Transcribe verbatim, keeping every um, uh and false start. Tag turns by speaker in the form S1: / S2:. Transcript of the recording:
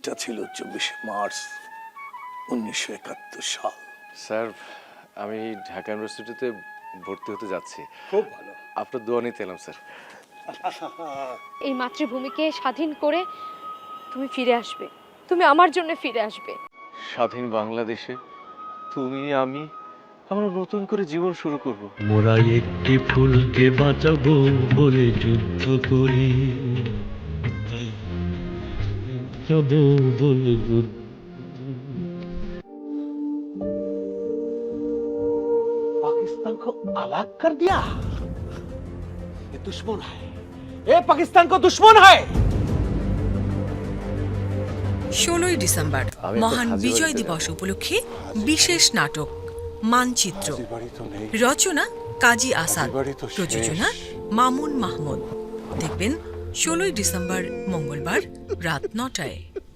S1: তারিখটা ছিল চব্বিশে মার্চ উনিশশো একাত্তর সাল।
S2: স্যার, আমি ঢাকা ইউনিভার্সিটিতে ভর্তি হতে যাচ্ছি।
S1: খুব ভালো।
S2: আপনার দোয়া নিতে এলাম স্যার।
S3: এই মাতৃভূমিকে স্বাধীন করে তুমি ফিরে আসবে, তুমি আমার জন্য ফিরে আসবে।
S2: স্বাধীন বাংলাদেশে তুমি আমি আমরা নতুন করে জীবন শুরু করব।
S4: মোরা একটি ফুলকে বাঁচাবো বলে যুদ্ধ করি, বাঁচাবো বলে যুদ্ধ।
S5: पाकिस्तान को अलग कर दिया। ये दुश्मन है, ये पाकिस्तान को दुश्मन है।
S6: ষোলোই ডিসেম্বর মহান বিজয় দিবস উপলক্ষে বিশেষ নাটক মানচিত্র, রচনা কাজী আসাদ, প্রযোজনা মামুন মাহমুদ। দেখবেন ষোলোই ডিসেম্বর মঙ্গলবার রাত নটায়।